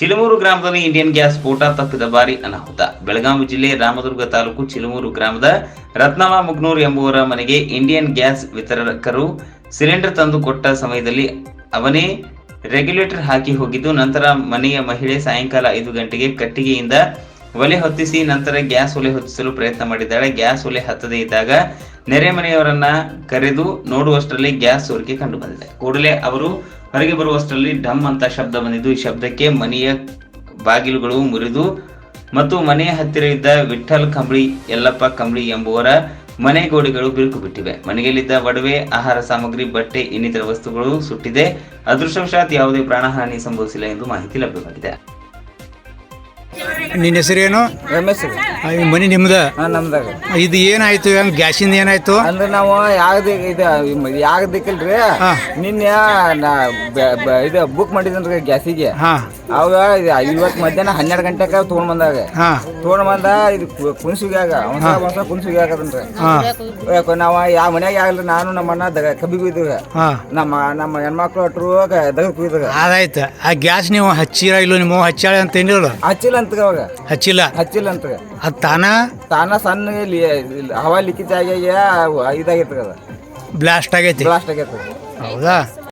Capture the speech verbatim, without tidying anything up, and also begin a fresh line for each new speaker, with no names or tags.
ಚಿಲುಮೂರು ಗ್ರಾಮದಲ್ಲಿ Indian gas ಸ್ಫೋಟ ತಪ್ಪಿದ ಬಾರಿ ಅನಾಹುತ. ಬೆಳಗಾವಿ ಜಿಲ್ಲೆ ರಾಮದುರ್ಗ ತಾಲೂಕು ಚಿಲುಮೂರು ಗ್ರಾಮದ ರತ್ನಮ್ಮ ಮುಗ್ನೂರ್ ಎಂಬುವರ ಮನೆಗೆ ಇಂಡಿಯನ್ ಗ್ಯಾಸ್ ವಿತರಕರು ಸಿಲಿಂಡರ್ ತಂದು ಕೊಟ್ಟ ಸಮಯದಲ್ಲಿ ಅವನೇ ರೆಗ್ಯುಲೇಟರ್ ಹಾಕಿ ಹೋಗಿದ್ದು, ನಂತರ ಮನೆಯ ಮಹಿಳೆ ಸಾಯಂಕಾಲ ಐದು ಗಂಟೆಗೆ ಕಟ್ಟಿಗೆಯಿಂದ ಒಲೆ ಹೊತ್ತಿಸಿ ನಂತರ ಗ್ಯಾಸ್ ಒಲೆ ಹೊತ್ತಿಸಲು ಪ್ರಯತ್ನ ಮಾಡಿದ್ದಾಳೆ. ಗ್ಯಾಸ್ ಒಲೆ ಹತ್ತದೇ ಇದ್ದಾಗ ನೆರೆ ಮನೆಯವರನ್ನ ಕರೆದು ನೋಡುವಷ್ಟರಲ್ಲಿ ಗ್ಯಾಸ್ ಸೋರಿಕೆ ಕಂಡು ಬಂದಿದೆ. ಕೂಡಲೇ ಅವರು ಹೊರಗೆ ಬರುವಷ್ಟರಲ್ಲಿ ಡಮ್ ಅಂತ ಶಬ್ದ ಬಂದಿದ್ದು, ಈ ಶಬ್ದಕ್ಕೆ ಮನೆಯ ಬಾಗಿಲುಗಳು ಮುರಿದು ಮತ್ತು ಮನೆಯ ಹತ್ತಿರ ಇದ್ದ ವಿಠಲ್ ಕಂಬಳಿ, ಯಲ್ಲಪ್ಪ ಕಂಬಳಿ ಎಂಬುವರ ಮನೆ ಗೋಡೆಗಳು ಬಿರುಕು ಬಿಟ್ಟಿವೆ. ಮನೆಯಲ್ಲಿದ್ದ ಒಡವೆ, ಆಹಾರ ಸಾಮಗ್ರಿ, ಬಟ್ಟೆ ಇನ್ನಿತರ ವಸ್ತುಗಳು ಸುಟ್ಟಿದೆ. ಅದೃಷ್ಟವಶಾತ್ ಯಾವುದೇ ಪ್ರಾಣಹಾನಿ ಸಂಭವಿಸಿಲ್ಲ ಎಂದು ಮಾಹಿತಿ ಲಭ್ಯವಾಗಿದೆ.
ನಿನ್ನ ಹೆಸರೇನು?
ರಮೇಶ್
ಮನೆ ನಿಮ್ದ?
ನಮ್ದಾಗ.
ಇದು ಏನಾಯ್ತು? ಹೆಂಗ್ ಗ್ಯಾಸಿಂದ ಏನಾಯ್ತು?
ಅಂದ್ರೆ ನಾವು ಯಾವ್ದು ಇದು ಯಾವ್ದಕ್ಕಿಲ್ರಿ, ನಿನ್ನೆ ಇದು ಬುಕ್ ಮಾಡಿದ್ರಿ ಗ್ಯಾಸಿಗೆ. ಅವಾಗ ಇವತ್ತು ಮಧ್ಯಾಹ್ನ ಹನ್ನೆರಡು ಗಂಟೆಗೆ ತೊಗೊಂಡ್ ಬಂದಾಗ ತೊಗೊಂಡ್ ಬಂದ ಇದು ಕುಣಸುಗ್ಯಾಗ ಒಂದ್ಸಲ ಕುಣಸುಗಿ ಆಗದನ್ರಿ. ನಾವು ಯಾವ ಮನ್ಯಾಗ ಆಗಲ್ರಿ, ನಾನು ನಮ್ಮ ಅಣ್ಣ ದಗ ಕಬ್ಬಿಗೆ ಇದ್ದಾಗ ನಮ್ಮ ನಮ್ಮ ಹೆಣ್ಮಕ್ಳು ಅಟ್ರು ದಗಕ್ ಇದ್ದಾಗ
ಅದಾಯ್ತು. ಆ ಗ್ಯಾಸ್ ನೀವು ಹಚ್ಚಿರ ಇಲ್ಲ ನಿಮ್ಮ ಹಚ್ಚಾಳೆ ಅಂತ ಏನಿಲ್ಲ?
ಹಚ್ಚಿಲ್ಲ ಅಂತ ಅವಾಗ
ಹಚ್ಚಿಲ್ಲ
ಹಚ್ಚಿಲ್ಲ ಅಂತ
ಅದು ತಾನ
ತಾನ ಸಣ್ಣ ಹವಾ ಲಿಕ್ಕಿಜ್ ಆಗಿ ಇದಾಗೈತೆ,
ಬ್ಲಾಸ್ಟ್ ಆಗೈತಿ.
ಬ್ಲಾಸ್ಟ್ ಆಗೈತೆ.
ಹೌದಾ?